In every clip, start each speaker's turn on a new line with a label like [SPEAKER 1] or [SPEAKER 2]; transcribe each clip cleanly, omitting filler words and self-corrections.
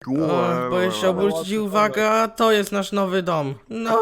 [SPEAKER 1] Boję się obrócić i uwaga, to jest nasz nowy dom. No,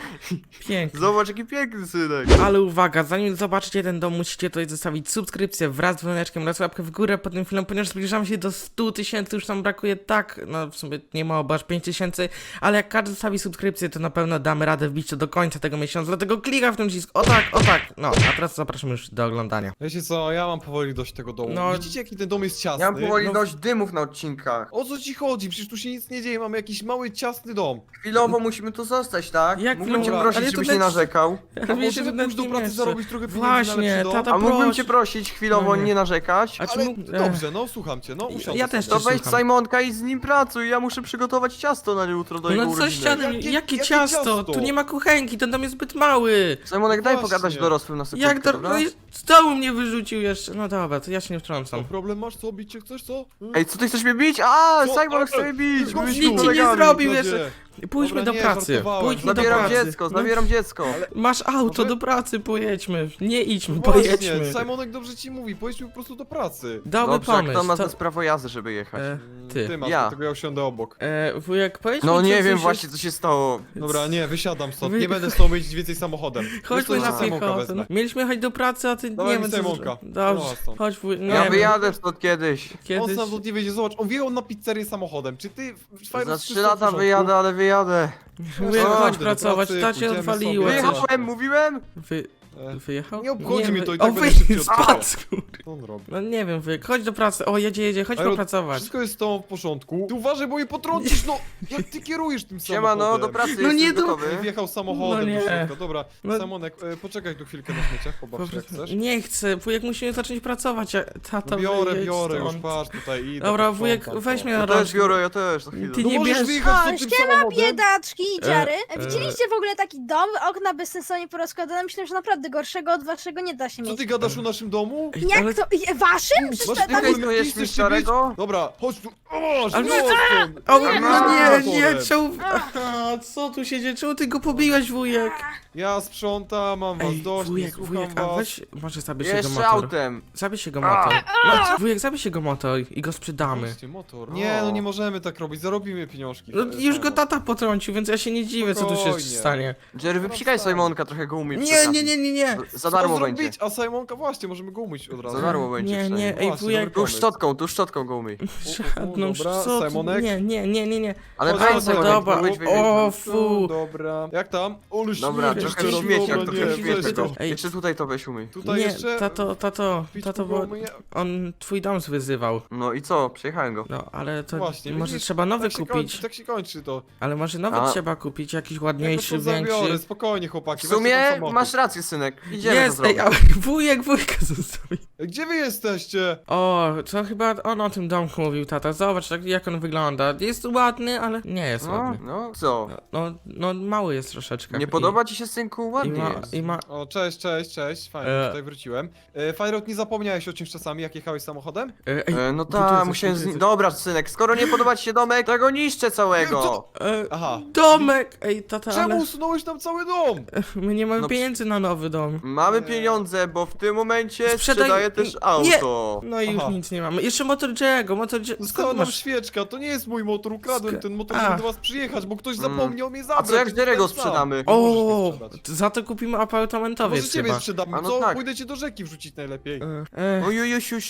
[SPEAKER 1] pięknie.
[SPEAKER 2] Zobacz, jaki piękny synek.
[SPEAKER 1] Ale uwaga, zanim zobaczycie ten dom, musicie tutaj zostawić subskrypcję wraz z dzwoneczkiem oraz łapkę w górę pod tym filmem, ponieważ zbliżamy się do 100 tysięcy, już nam brakuje tak, no w sumie nie mało, bo aż 5 tysięcy, ale jak każdy zostawi subskrypcję, to na pewno damy radę wbić to do końca tego miesiąca, dlatego klikaj w ten przycisk, o tak, no, a teraz zapraszam już do oglądania.
[SPEAKER 3] Wiecie co, ja mam powoli dość tego domu.
[SPEAKER 1] No.
[SPEAKER 3] Widzicie jaki ten dom jest ciasny?
[SPEAKER 2] Ja mam powoli
[SPEAKER 1] No.
[SPEAKER 2] dość dymów na odcinkach.
[SPEAKER 3] O co ci chodzi? Przecież tu się nic nie dzieje, mamy jakiś mały, ciasny dom.
[SPEAKER 2] Chwilowo musimy tu zostać, tak?
[SPEAKER 1] Jak
[SPEAKER 2] Mógłbym cię
[SPEAKER 1] chwilowo?
[SPEAKER 2] prosić,
[SPEAKER 1] Ale to
[SPEAKER 2] żebyś
[SPEAKER 1] leci-
[SPEAKER 2] nie narzekał.
[SPEAKER 1] Ale
[SPEAKER 3] A
[SPEAKER 1] wiesz, że
[SPEAKER 3] możemy pójść do
[SPEAKER 1] nie
[SPEAKER 3] pracy,
[SPEAKER 1] mieszczę.
[SPEAKER 3] zarobić trochę pieniędzy na
[SPEAKER 1] Właśnie,
[SPEAKER 3] lepszy dom?
[SPEAKER 1] tata,
[SPEAKER 2] A mógłbym
[SPEAKER 1] proś.
[SPEAKER 2] cię prosić chwilowo
[SPEAKER 1] No nie.
[SPEAKER 2] nie narzekać?
[SPEAKER 1] A czy
[SPEAKER 3] Ale
[SPEAKER 1] mógł-
[SPEAKER 3] dobrze, no słucham cię, no usiądę
[SPEAKER 1] Ja też
[SPEAKER 3] sobie.
[SPEAKER 2] To
[SPEAKER 1] cię
[SPEAKER 2] weź
[SPEAKER 1] słucham.
[SPEAKER 2] Simonka i z nim pracuj, ja muszę przygotować ciasto na jutro do
[SPEAKER 1] No
[SPEAKER 2] jego
[SPEAKER 1] co
[SPEAKER 2] urodziny.
[SPEAKER 1] ściany, jakie
[SPEAKER 3] Jakie
[SPEAKER 1] ciasto?
[SPEAKER 3] ciasto?
[SPEAKER 1] Tu nie ma kuchenki, ten dom jest zbyt mały.
[SPEAKER 2] Simonek, daj
[SPEAKER 3] Właśnie.
[SPEAKER 2] pogadać dorosłym na sekundkę,
[SPEAKER 1] Jak to,
[SPEAKER 2] dobra?
[SPEAKER 1] no i z dołu mnie wyrzucił jeszcze, no dobra, to ja się nie
[SPEAKER 3] Co,
[SPEAKER 1] wtrącam.
[SPEAKER 3] problem masz? Co, bić cię chcesz, co?
[SPEAKER 2] Ej, co ty chcesz mnie bić? A,
[SPEAKER 3] Co?
[SPEAKER 2] Simon chce mnie bić!
[SPEAKER 3] Nic
[SPEAKER 2] byliśmy
[SPEAKER 1] ci nie
[SPEAKER 2] kolegami.
[SPEAKER 1] zrobił
[SPEAKER 3] Zgodzie.
[SPEAKER 1] jeszcze. Pójdźmy
[SPEAKER 3] Dobra,
[SPEAKER 1] do
[SPEAKER 3] nie,
[SPEAKER 1] pracy,
[SPEAKER 3] żartowałem.
[SPEAKER 1] pójdźmy do
[SPEAKER 2] Zabieram
[SPEAKER 1] pracy.
[SPEAKER 2] dziecko,
[SPEAKER 1] No,
[SPEAKER 2] zabieram dziecko.
[SPEAKER 1] masz auto,
[SPEAKER 3] Może-
[SPEAKER 1] do pracy pojedźmy. Nie idźmy,
[SPEAKER 3] Właśnie,
[SPEAKER 1] pojedźmy.
[SPEAKER 3] Simonek dobrze ci mówi, pojedźmy po prostu do pracy.
[SPEAKER 1] Dobry
[SPEAKER 2] Dobrze, jak
[SPEAKER 1] pomysł.
[SPEAKER 2] to ma
[SPEAKER 1] to-
[SPEAKER 2] to... prawo jazdy, żeby jechać.
[SPEAKER 1] Ty.
[SPEAKER 3] Ty masz,
[SPEAKER 2] Ja.
[SPEAKER 3] dlatego ja usiądę obok.
[SPEAKER 1] Wujek, powiedz mi,
[SPEAKER 2] No
[SPEAKER 1] co
[SPEAKER 2] nie wiem
[SPEAKER 1] coś
[SPEAKER 2] właśnie, co się stało.
[SPEAKER 3] Dobra, nie, wysiadam stąd,
[SPEAKER 1] Wy-
[SPEAKER 3] nie będę z tobą jeździć więcej samochodem.
[SPEAKER 1] Chodźmy
[SPEAKER 3] Wiesz co,
[SPEAKER 1] na
[SPEAKER 3] ja Simonka
[SPEAKER 1] piechotę.
[SPEAKER 3] wezmę.
[SPEAKER 1] No. Mieliśmy jechać do pracy, a ty
[SPEAKER 3] Dawaj
[SPEAKER 1] nie
[SPEAKER 3] mi
[SPEAKER 1] wiem co
[SPEAKER 3] Simonka.
[SPEAKER 1] zrobić. Dobrze,
[SPEAKER 3] No, stąd.
[SPEAKER 1] chodź wuj, nie
[SPEAKER 2] Ja
[SPEAKER 1] wiem,
[SPEAKER 2] wyjadę stąd kiedyś.
[SPEAKER 3] On
[SPEAKER 1] kiedyś.
[SPEAKER 3] sam nie wiedzie, zobacz, on wjechał na pizzerię samochodem. Czy ty...
[SPEAKER 2] Za 3 lata wyjadę, ale wyjadę.
[SPEAKER 1] Wujek,
[SPEAKER 3] O,
[SPEAKER 1] chodź
[SPEAKER 3] do
[SPEAKER 1] pracować,
[SPEAKER 3] pracy,
[SPEAKER 1] ta cię
[SPEAKER 3] pójdziemy
[SPEAKER 1] odwaliła.
[SPEAKER 3] sobie.
[SPEAKER 1] coś.
[SPEAKER 2] Wyjechałem, mówiłem?
[SPEAKER 1] Wyjechał?
[SPEAKER 3] Nie obchodzi mnie to i
[SPEAKER 1] O,
[SPEAKER 3] tak będę szybciej
[SPEAKER 1] spadł,
[SPEAKER 3] odstawał.
[SPEAKER 1] kurde.
[SPEAKER 3] Co on robi?
[SPEAKER 1] No nie wiem, wujek, chodź do pracy. O, jedzie, chodź
[SPEAKER 3] Aero,
[SPEAKER 1] popracować.
[SPEAKER 3] Wszystko jest z tobą w porządku. Ty uważaj, bo je potrącisz, no! Jak ty kierujesz tym
[SPEAKER 2] Siema,
[SPEAKER 3] samochodem?
[SPEAKER 2] no do pracy
[SPEAKER 1] No nie
[SPEAKER 2] jestem
[SPEAKER 1] do-
[SPEAKER 2] gotowy.
[SPEAKER 3] Wjechał samochodem
[SPEAKER 1] No nie.
[SPEAKER 3] do środka. Dobra,
[SPEAKER 1] No-
[SPEAKER 3] Simonek, poczekaj tu chwilkę na śmieciach, pobaw się jak chcesz.
[SPEAKER 1] Nie chcę, wujek musimy zacząć pracować, a tata
[SPEAKER 3] No biorę,
[SPEAKER 1] wyjedź
[SPEAKER 3] biorę, już
[SPEAKER 1] stąd.
[SPEAKER 3] patrz tutaj idę.
[SPEAKER 1] Dobra,
[SPEAKER 3] posprzątam
[SPEAKER 1] wujek,
[SPEAKER 3] to.
[SPEAKER 1] weź mnie
[SPEAKER 2] Ja
[SPEAKER 1] na
[SPEAKER 2] też
[SPEAKER 1] rączki.
[SPEAKER 2] biorę, ja też, za chwilę.
[SPEAKER 1] Ty
[SPEAKER 3] No
[SPEAKER 1] nie
[SPEAKER 3] możesz
[SPEAKER 1] bierz-
[SPEAKER 3] wyjechać
[SPEAKER 4] O,
[SPEAKER 3] z tym
[SPEAKER 4] ściema,
[SPEAKER 3] samochodem?
[SPEAKER 4] biedaczki i dziary.
[SPEAKER 1] e.
[SPEAKER 4] Widzieliście w ogóle taki dom? Okna bezsensownie porozkładane. Myślę, że naprawdę gorszego od waszego nie da się
[SPEAKER 3] Co
[SPEAKER 4] mieć.
[SPEAKER 3] ty gadasz o naszym domu?
[SPEAKER 1] Ej, ale-
[SPEAKER 4] Jak to? Waszym? Przecież
[SPEAKER 3] Masz
[SPEAKER 4] ta-
[SPEAKER 3] ty
[SPEAKER 4] tam
[SPEAKER 2] Ty
[SPEAKER 4] jest...
[SPEAKER 2] to jest mi starego?
[SPEAKER 3] Dobra, chodź tu. O,
[SPEAKER 1] Ale-
[SPEAKER 3] no stąd.
[SPEAKER 1] O,
[SPEAKER 4] Nie,
[SPEAKER 1] no nie,
[SPEAKER 3] motorem.
[SPEAKER 1] czemu... Aha, co tu się dzieje? Czemu ty go pobiłeś, wujek?
[SPEAKER 3] Ja sprzątam, mam was
[SPEAKER 1] Ej,
[SPEAKER 3] dość, nie
[SPEAKER 1] wujek,
[SPEAKER 3] słucham
[SPEAKER 1] wujek, a
[SPEAKER 3] was.
[SPEAKER 1] weź, może zabierz jego
[SPEAKER 2] Jeszcze
[SPEAKER 1] motor.
[SPEAKER 2] autem.
[SPEAKER 1] Zabierz jego motor. No, wujek, zabierz jego motor i go sprzedamy.
[SPEAKER 3] Właśnie, motor. Nie, no nie możemy tak robić, zarobimy pieniążki.
[SPEAKER 1] No, już go tata potrącił, więc ja się nie dziwię, co tu się
[SPEAKER 3] Spokojnie.
[SPEAKER 1] stanie.
[SPEAKER 2] Jerry, wypsikaj Simonka, trochę go umyj.
[SPEAKER 1] Nie, nie, nie, nie, nie.
[SPEAKER 2] Za darmo
[SPEAKER 3] Co
[SPEAKER 2] będzie.
[SPEAKER 3] zrobić? A Simonka właśnie, możemy go umyć od razu.
[SPEAKER 2] Za darmo będzie
[SPEAKER 1] Nie,
[SPEAKER 2] przynajmniej.
[SPEAKER 1] nie, ej,
[SPEAKER 3] Właśnie,
[SPEAKER 1] wujek,
[SPEAKER 3] dobry
[SPEAKER 2] Tu szczotką go umyj.
[SPEAKER 1] żadną
[SPEAKER 3] dobra,
[SPEAKER 1] co ty-
[SPEAKER 3] Simonek?
[SPEAKER 1] Nie.
[SPEAKER 2] Ale
[SPEAKER 3] Chodź,
[SPEAKER 2] weź
[SPEAKER 3] chodź,
[SPEAKER 2] Simonek,
[SPEAKER 1] dobra.
[SPEAKER 2] wyjdź, wyjdź,
[SPEAKER 1] O,
[SPEAKER 2] wyjdź.
[SPEAKER 1] fu.
[SPEAKER 3] Dobra. Jak tam? Olu
[SPEAKER 2] Dobra,
[SPEAKER 3] śmiech,
[SPEAKER 2] trochę
[SPEAKER 3] jeszcze
[SPEAKER 2] śmieci,
[SPEAKER 3] raz,
[SPEAKER 2] jak
[SPEAKER 3] dobra,
[SPEAKER 2] trochę
[SPEAKER 3] nie,
[SPEAKER 2] śmieci
[SPEAKER 3] weź
[SPEAKER 2] go.
[SPEAKER 3] to.
[SPEAKER 1] Ej.
[SPEAKER 2] Jeszcze tutaj to weź umyj.
[SPEAKER 3] Tutaj
[SPEAKER 1] Nie,
[SPEAKER 3] jeszcze...
[SPEAKER 1] tato,
[SPEAKER 3] Pić
[SPEAKER 1] bo
[SPEAKER 3] umyję.
[SPEAKER 1] on twój dom wyzywał.
[SPEAKER 2] No i co? Przejechałem go.
[SPEAKER 1] No, ale to
[SPEAKER 3] Właśnie,
[SPEAKER 1] może
[SPEAKER 3] widzisz?
[SPEAKER 1] trzeba nowy
[SPEAKER 3] Tak się
[SPEAKER 1] kupić.
[SPEAKER 3] kończy, tak się kończy to.
[SPEAKER 1] Ale może nowy
[SPEAKER 2] A.
[SPEAKER 1] trzeba kupić, jakiś
[SPEAKER 3] Ja go
[SPEAKER 1] ładniejszy,
[SPEAKER 3] to zabiorę,
[SPEAKER 1] większy.
[SPEAKER 3] spokojnie chłopaki,
[SPEAKER 2] W
[SPEAKER 3] weźcie ten
[SPEAKER 2] sumie
[SPEAKER 3] samochód.
[SPEAKER 2] masz rację, synek. Idziemy to
[SPEAKER 1] Jest,
[SPEAKER 2] zrobić.
[SPEAKER 1] ej, ale wujek zostawi.
[SPEAKER 3] Gdzie wy jesteście?
[SPEAKER 1] O, to chyba on o tym domku mówił, tata. Zobacz, tak, jak on wygląda. Jest ładny, ale nie jest
[SPEAKER 2] No,
[SPEAKER 1] ładny.
[SPEAKER 2] no, co?
[SPEAKER 1] No, mały jest troszeczkę.
[SPEAKER 2] Nie podoba ci się, synku?
[SPEAKER 1] I
[SPEAKER 2] Ładnie
[SPEAKER 1] ma,
[SPEAKER 2] jest.
[SPEAKER 1] i ma...
[SPEAKER 3] O, cześć, fajnie, tutaj wróciłem. Fajrot, nie zapomniałeś o czymś czasami, jak jechałeś samochodem?
[SPEAKER 1] Ej,
[SPEAKER 2] No
[SPEAKER 1] tu
[SPEAKER 2] tak,
[SPEAKER 1] jesteś,
[SPEAKER 2] musiałem
[SPEAKER 1] tu
[SPEAKER 2] z nim...
[SPEAKER 1] jesteś.
[SPEAKER 2] Dobra, synek, skoro nie podoba ci się domek, to go niszczę całego.
[SPEAKER 3] Aha.
[SPEAKER 1] Domek! Ej, tata,
[SPEAKER 3] Czemu
[SPEAKER 1] ale
[SPEAKER 3] usunąłeś nam cały dom?
[SPEAKER 1] my nie mamy
[SPEAKER 2] No,
[SPEAKER 1] pieniędzy na nowy dom.
[SPEAKER 2] Mamy
[SPEAKER 3] Nie.
[SPEAKER 2] pieniądze, bo w tym momencie
[SPEAKER 1] Sprzedaj-
[SPEAKER 2] sprzedaję też
[SPEAKER 1] Nie.
[SPEAKER 2] auto.
[SPEAKER 1] No i już
[SPEAKER 3] Aha.
[SPEAKER 1] nic nie mamy. Jeszcze motor Jerry'ego,
[SPEAKER 3] Została
[SPEAKER 1] Skąd
[SPEAKER 3] nam
[SPEAKER 1] masz?
[SPEAKER 3] świeczka, to nie jest mój motor, ukradłem ten motor,
[SPEAKER 1] A.
[SPEAKER 3] żeby do was przyjechać, bo ktoś zapomniał mnie zabrać.
[SPEAKER 2] A co jak
[SPEAKER 3] więc
[SPEAKER 2] Jerego
[SPEAKER 3] ten sam.
[SPEAKER 2] sprzedamy?
[SPEAKER 3] Nie możesz
[SPEAKER 1] O,
[SPEAKER 3] mnie sprzedać.
[SPEAKER 1] za to kupimy apartamentowiec
[SPEAKER 3] Może ciebie
[SPEAKER 1] chyba.
[SPEAKER 3] sprzedamy,
[SPEAKER 2] A no
[SPEAKER 3] co?
[SPEAKER 2] tak.
[SPEAKER 3] Pójdę cię do rzeki wrzucić najlepiej.
[SPEAKER 2] Ojujusiu,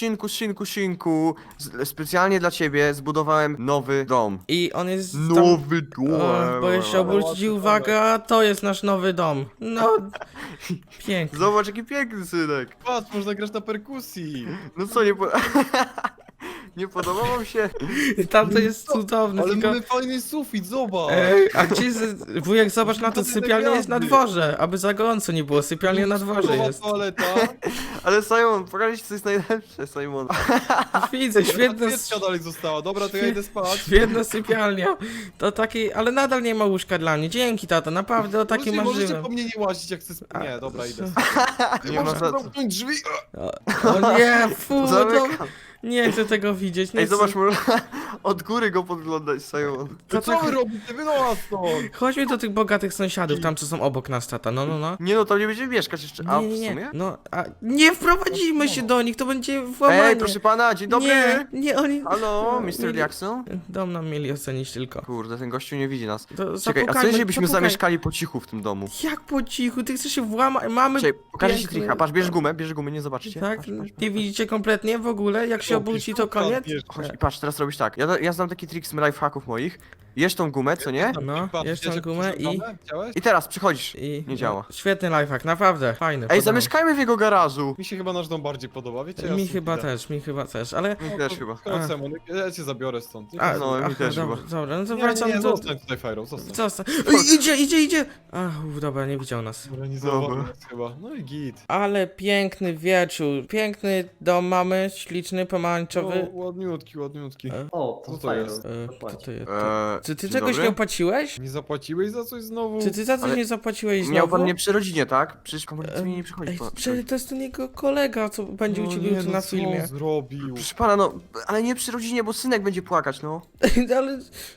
[SPEAKER 2] synku. Specjalnie dla ciebie zbudowałem nowy dom.
[SPEAKER 1] I on jest tam...
[SPEAKER 2] Nowy dom.
[SPEAKER 1] O, boję się obrócić i uwaga, to jest nasz nowy dom. No, pięknie.
[SPEAKER 2] Zobacz, jaki piękny synek.
[SPEAKER 3] Patrz, można grać na perkusji.
[SPEAKER 2] No co, nie po... Nie podoba wam się?
[SPEAKER 1] Tam to jest cudowne,
[SPEAKER 3] Ale
[SPEAKER 1] tylko...
[SPEAKER 3] mamy fajny sufit, zobacz.
[SPEAKER 1] Ej, a gdzie jest... Wujek, zobacz na to,
[SPEAKER 3] Podwójne
[SPEAKER 1] sypialnia jest na
[SPEAKER 3] gwiazdy.
[SPEAKER 1] dworze, aby za gorąco nie było, sypialnia na dworze
[SPEAKER 3] Nowa
[SPEAKER 1] jest.
[SPEAKER 3] toaleta.
[SPEAKER 2] Ale Simon, pokażę ci co jest najlepsze, Simon.
[SPEAKER 1] Widzę, świetna,
[SPEAKER 3] Świeczka dalej została, dobra, to ja idę spać.
[SPEAKER 1] świetna sypialnia. To taki, ale nadal nie ma łóżka dla mnie. Dzięki, tata, naprawdę o takim
[SPEAKER 3] Możecie
[SPEAKER 1] marzyłem.
[SPEAKER 3] po mnie nie łazić, jak chcę Nie, dobra, idę.
[SPEAKER 2] Nie ma za co.
[SPEAKER 3] zamknąć drzwi.
[SPEAKER 1] O nie, fu, to...
[SPEAKER 2] Zamykam.
[SPEAKER 1] Nie chcę tego widzieć, nie
[SPEAKER 2] Ej,
[SPEAKER 1] chcę.
[SPEAKER 2] zobacz, można od góry go podglądać, Simon.
[SPEAKER 3] To co wy robicie? Wynocha stąd!
[SPEAKER 1] Chodźmy do tych bogatych sąsiadów, tam co są obok nas, tata, no.
[SPEAKER 2] Nie no, tam nie będziemy mieszkać jeszcze. A, w
[SPEAKER 1] Nie,
[SPEAKER 2] sumie?
[SPEAKER 1] no, a nie wprowadzimy się do nich, to będzie włamanie.
[SPEAKER 2] Ej, proszę pana, dzień dobry!
[SPEAKER 1] Nie, oni...
[SPEAKER 2] Halo,
[SPEAKER 1] Mieli-
[SPEAKER 2] Mr. Jackson?
[SPEAKER 1] Dom nam mieli ocenić tylko.
[SPEAKER 2] Kurde, ten gościu nie widzi nas.
[SPEAKER 1] To
[SPEAKER 2] Czekaj, a co
[SPEAKER 1] zapukajmy,
[SPEAKER 2] jeżeli byśmy
[SPEAKER 1] zapukaj.
[SPEAKER 2] zamieszkali po cichu w tym domu?
[SPEAKER 1] Jak po cichu, ty chcesz się włamać, mamy...
[SPEAKER 2] Czekaj, pokażę ci
[SPEAKER 1] piękny-
[SPEAKER 2] trika, patrz, bierz gumę, nie zobaczycie.
[SPEAKER 1] Tak?
[SPEAKER 2] Patrz,
[SPEAKER 1] Nie widzicie kompletnie w ogóle? Jak się obróci, to koniec?
[SPEAKER 2] Chodź, i patrz, teraz robisz tak. Ja znam taki trik z lifehacków moich. Jesz tą gumę, co nie?
[SPEAKER 1] No, jeszcze gumę i...
[SPEAKER 3] Chciałeś?
[SPEAKER 2] I teraz przychodzisz.
[SPEAKER 1] I...
[SPEAKER 2] Nie działa.
[SPEAKER 1] Świetny lifehack, naprawdę, fajny.
[SPEAKER 2] Ej,
[SPEAKER 1] podoba
[SPEAKER 2] zamieszkajmy w jego garażu!
[SPEAKER 3] Mi się chyba nasz dom bardziej podoba, wiecie?
[SPEAKER 1] mi chyba też, ale...
[SPEAKER 2] Mi też chyba.
[SPEAKER 3] Chodź, Simon, ja cię zabiorę stąd.
[SPEAKER 1] A,
[SPEAKER 2] No, mi
[SPEAKER 1] aha,
[SPEAKER 2] też
[SPEAKER 1] dobra,
[SPEAKER 2] chyba.
[SPEAKER 1] dobra, no to
[SPEAKER 3] Nie,
[SPEAKER 1] wracam
[SPEAKER 3] nie,
[SPEAKER 1] do...
[SPEAKER 3] zostań tutaj, Fajro, zostań.
[SPEAKER 1] Zostań. Idzie! Ach, dobra, nie widział nas.
[SPEAKER 3] Dobra, nie
[SPEAKER 2] Dobra.
[SPEAKER 3] zauważył nas chyba. No i git.
[SPEAKER 1] Ale piękny wieczór, piękny dom mamy, śliczny, pomarańczowy.
[SPEAKER 3] No, ładniutki.
[SPEAKER 5] O,
[SPEAKER 3] Co
[SPEAKER 5] to
[SPEAKER 3] to
[SPEAKER 5] fajne.
[SPEAKER 3] jest?
[SPEAKER 1] Kto to jest? Czy ty
[SPEAKER 2] dzień
[SPEAKER 1] czegoś
[SPEAKER 2] dobry.
[SPEAKER 1] nie opłaciłeś?
[SPEAKER 3] Nie zapłaciłeś za coś znowu?
[SPEAKER 1] Czy ty za coś
[SPEAKER 2] Ale
[SPEAKER 1] nie zapłaciłeś znowu?
[SPEAKER 2] Miał pan mnie przy rodzinie, tak? Przecież komornicy mi nie przychodzi
[SPEAKER 1] Ej,
[SPEAKER 2] po...
[SPEAKER 1] to jest ten jego kolega, co będzie u
[SPEAKER 3] No
[SPEAKER 1] ciebie
[SPEAKER 3] nie,
[SPEAKER 1] jutro
[SPEAKER 3] no
[SPEAKER 1] na
[SPEAKER 3] co
[SPEAKER 1] filmie.
[SPEAKER 3] on zrobił?
[SPEAKER 2] Proszę pana, no, ale nie przy rodzinie, bo synek będzie płakać, no.
[SPEAKER 1] Ale...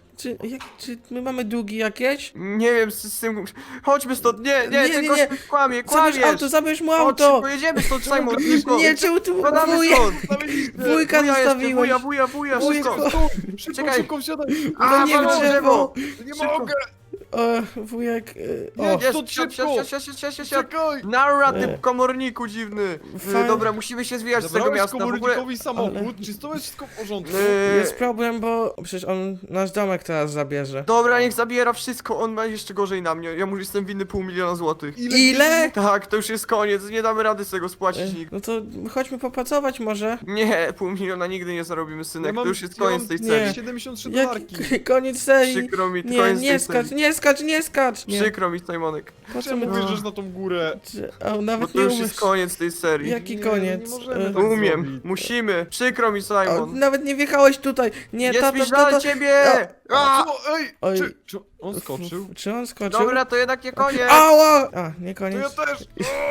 [SPEAKER 1] Czy my mamy długi jakieś?
[SPEAKER 2] Nie wiem, z tym... Chodźmy stąd, nie,
[SPEAKER 1] Nie,
[SPEAKER 2] ten
[SPEAKER 1] nie,
[SPEAKER 2] gość
[SPEAKER 1] nie.
[SPEAKER 2] kłamie,
[SPEAKER 1] Zabierz mu
[SPEAKER 2] Chodź,
[SPEAKER 1] auto!
[SPEAKER 2] szybko, jedziemy stąd, Simon, szybko.
[SPEAKER 1] Nie, czemu tu
[SPEAKER 2] Spadamy
[SPEAKER 1] wuja,
[SPEAKER 2] stąd.
[SPEAKER 1] wujka
[SPEAKER 2] Wuja jeszcze,
[SPEAKER 1] zostawiłeś?
[SPEAKER 2] wuja,
[SPEAKER 1] Wujek,
[SPEAKER 2] wszystko.
[SPEAKER 3] Szybko,
[SPEAKER 2] Czekaj.
[SPEAKER 3] szybko wsiadaj!
[SPEAKER 2] A,
[SPEAKER 1] nie
[SPEAKER 2] walą
[SPEAKER 1] w drzewo!
[SPEAKER 3] Nie
[SPEAKER 2] Szybko.
[SPEAKER 3] mogę!
[SPEAKER 1] Wujek...
[SPEAKER 3] Nie,
[SPEAKER 1] O,
[SPEAKER 3] stąd szybko!
[SPEAKER 2] Siad.
[SPEAKER 3] Czekaj!
[SPEAKER 2] Nara,
[SPEAKER 1] E.
[SPEAKER 2] ty komorniku dziwny.
[SPEAKER 1] Fajnie.
[SPEAKER 2] Dobra, musimy się zwijać z tego
[SPEAKER 3] Zabrałeś
[SPEAKER 2] miasta, w ogóle...
[SPEAKER 3] komornikowi samochód, czy to jest wszystko w porządku?
[SPEAKER 1] jest problem, bo przecież on nasz domek teraz zabierze.
[SPEAKER 2] Dobra, niech zabiera wszystko, on ma jeszcze gorzej na mnie. Ja mu jestem winny 500 000 złotych.
[SPEAKER 1] Ile?
[SPEAKER 2] Tak, to już jest koniec, nie damy rady z tego spłacić nikt.
[SPEAKER 1] No to chodźmy popracować może.
[SPEAKER 2] Nie, 500 000 nigdy nie zarobimy, synek, to już jest koniec tej
[SPEAKER 1] Nie.
[SPEAKER 2] serii.
[SPEAKER 3] 73
[SPEAKER 1] Jak
[SPEAKER 3] dolarki.
[SPEAKER 1] koniec serii?
[SPEAKER 2] Przykro mi,
[SPEAKER 1] Nie,
[SPEAKER 2] koniec
[SPEAKER 1] nie
[SPEAKER 2] tej
[SPEAKER 1] skacz,
[SPEAKER 2] serii.
[SPEAKER 1] nie skacz! Nie.
[SPEAKER 2] Przykro mi, Simonek,
[SPEAKER 1] Po co my...
[SPEAKER 3] Czemu wyjeżdżasz na tą górę?
[SPEAKER 1] O,
[SPEAKER 2] bo
[SPEAKER 1] nawet
[SPEAKER 2] to
[SPEAKER 1] nie
[SPEAKER 2] już
[SPEAKER 1] umiesz.
[SPEAKER 2] jest koniec tej serii.
[SPEAKER 1] Jaki
[SPEAKER 3] Nie,
[SPEAKER 1] koniec?
[SPEAKER 3] nie możemy
[SPEAKER 1] E,
[SPEAKER 3] tak
[SPEAKER 2] Umiem,
[SPEAKER 3] zrobić.
[SPEAKER 2] musimy, przykro mi,
[SPEAKER 1] o,
[SPEAKER 2] Simon.
[SPEAKER 1] nawet nie wjechałeś tutaj! Nie,
[SPEAKER 2] Jest
[SPEAKER 1] tato,
[SPEAKER 2] mi żal ciebie! A!
[SPEAKER 3] Co? Ej!
[SPEAKER 1] Oj.
[SPEAKER 3] Czy on skoczył?
[SPEAKER 1] Czy on skoczył?
[SPEAKER 2] Dobra, to jednak nie koniec.
[SPEAKER 1] Ała! A, nie
[SPEAKER 3] To ja
[SPEAKER 1] koniec.
[SPEAKER 3] też!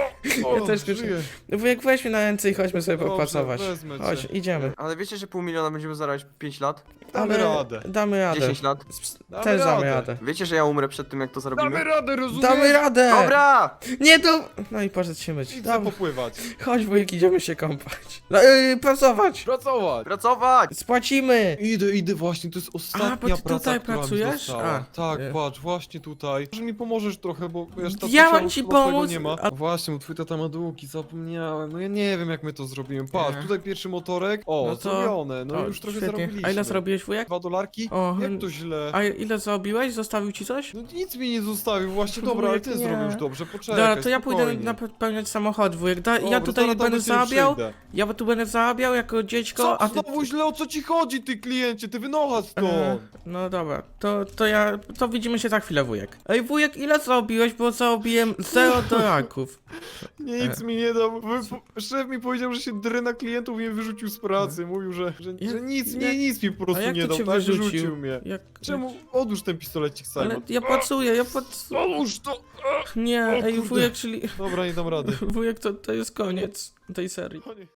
[SPEAKER 1] Ja też
[SPEAKER 3] żyję.
[SPEAKER 1] Wujek, weź mnie na ręce i chodźmy sobie
[SPEAKER 3] Dobrze,
[SPEAKER 1] popracować.
[SPEAKER 3] wezmę cię.
[SPEAKER 1] Chodź, idziemy.
[SPEAKER 2] Ale wiecie, że 500 000 będziemy zarabiać 5 lat?
[SPEAKER 3] Damy radę.
[SPEAKER 1] Damy radę.
[SPEAKER 2] 10 lat?
[SPEAKER 3] Damy
[SPEAKER 1] Też damy
[SPEAKER 3] radę.
[SPEAKER 1] radę.
[SPEAKER 2] Wiecie, że ja umrę przed tym, jak to
[SPEAKER 3] Damy
[SPEAKER 2] zrobimy?
[SPEAKER 3] radę, rozumiesz?
[SPEAKER 1] Damy radę!
[SPEAKER 2] Dobra!
[SPEAKER 1] Nie to... No i poszedł się myć.
[SPEAKER 3] Idź
[SPEAKER 1] Dobra.
[SPEAKER 3] popływać.
[SPEAKER 1] Chodź wujek, idziemy się kąpać. No, pracować!
[SPEAKER 3] Pracować.
[SPEAKER 2] Pracować!
[SPEAKER 1] Spłacimy!
[SPEAKER 3] Idę właśnie, to jest ostatnia
[SPEAKER 1] bo ty
[SPEAKER 3] praca,
[SPEAKER 1] tutaj
[SPEAKER 3] która mi
[SPEAKER 1] pracujesz?
[SPEAKER 3] została.
[SPEAKER 1] A,
[SPEAKER 3] Tak,
[SPEAKER 1] nie.
[SPEAKER 3] patrz, właśnie tutaj. Może mi pomożesz trochę, bo wiesz, tatusia
[SPEAKER 1] Ja mam
[SPEAKER 3] już
[SPEAKER 1] ci
[SPEAKER 3] chyba swojego
[SPEAKER 1] pomóc,
[SPEAKER 3] nie ma.
[SPEAKER 1] a-
[SPEAKER 3] Właśnie, bo twój tata ma długi, zapomniałem. No ja nie wiem, jak my to zrobimy. Patrz,
[SPEAKER 1] Nie.
[SPEAKER 3] tutaj pierwszy motorek. O,
[SPEAKER 1] No to-
[SPEAKER 3] zrobione, no
[SPEAKER 1] O,
[SPEAKER 3] już trochę
[SPEAKER 1] świetnie.
[SPEAKER 3] zarobiliśmy.
[SPEAKER 1] A ile zarobiłeś wujek?
[SPEAKER 3] 2 dolarki?
[SPEAKER 1] O,
[SPEAKER 3] Jak to źle?
[SPEAKER 1] A ile zarobiłeś? Zostawił ci coś?
[SPEAKER 3] No nic mi nie zostawił, właśnie dobra, ale ty
[SPEAKER 1] Wujek, nie.
[SPEAKER 3] zrobisz dobrze, poczekaj,
[SPEAKER 1] Dobra, to ja pójdę
[SPEAKER 3] spokojnie.
[SPEAKER 1] napełniać samochód, wujek. Ja
[SPEAKER 3] Dobra,
[SPEAKER 1] tutaj
[SPEAKER 3] zaraz
[SPEAKER 1] będę
[SPEAKER 3] do ciebie
[SPEAKER 1] zarabiał,
[SPEAKER 3] przyjdę.
[SPEAKER 1] ja tu będę zarabiał jako dziecko,
[SPEAKER 3] Co?
[SPEAKER 1] a ty...
[SPEAKER 3] Znowu źle, o co ci chodzi, ty kliencie? Ty wynocha stąd!
[SPEAKER 1] No dobra, to widzimy się za chwilę, wujek. Ej, wujek, ile zarobiłeś? Bo zarobiłem 0 dolarków.
[SPEAKER 3] Nic mi nie dał. Szef mi powiedział, że się dry na klientów i mnie wyrzucił z pracy. Mówił, że
[SPEAKER 1] Jak-
[SPEAKER 3] nic
[SPEAKER 1] jak-
[SPEAKER 3] mi po
[SPEAKER 1] A
[SPEAKER 3] prostu
[SPEAKER 1] jak
[SPEAKER 3] nie
[SPEAKER 1] to
[SPEAKER 3] dał.
[SPEAKER 1] cię
[SPEAKER 3] Tak
[SPEAKER 1] wyrzucił?
[SPEAKER 3] wyrzucił mnie.
[SPEAKER 1] Jak...
[SPEAKER 3] Czemu? Odłóż ten pistolecik, Simon.
[SPEAKER 1] Ale ja pracuję,
[SPEAKER 3] Odłóż to!
[SPEAKER 1] Nie, ej,
[SPEAKER 3] kurde.
[SPEAKER 1] wujek, czyli...
[SPEAKER 3] Dobra, nie dam rady.
[SPEAKER 1] Wujek, to jest koniec tej serii.
[SPEAKER 3] Koniec.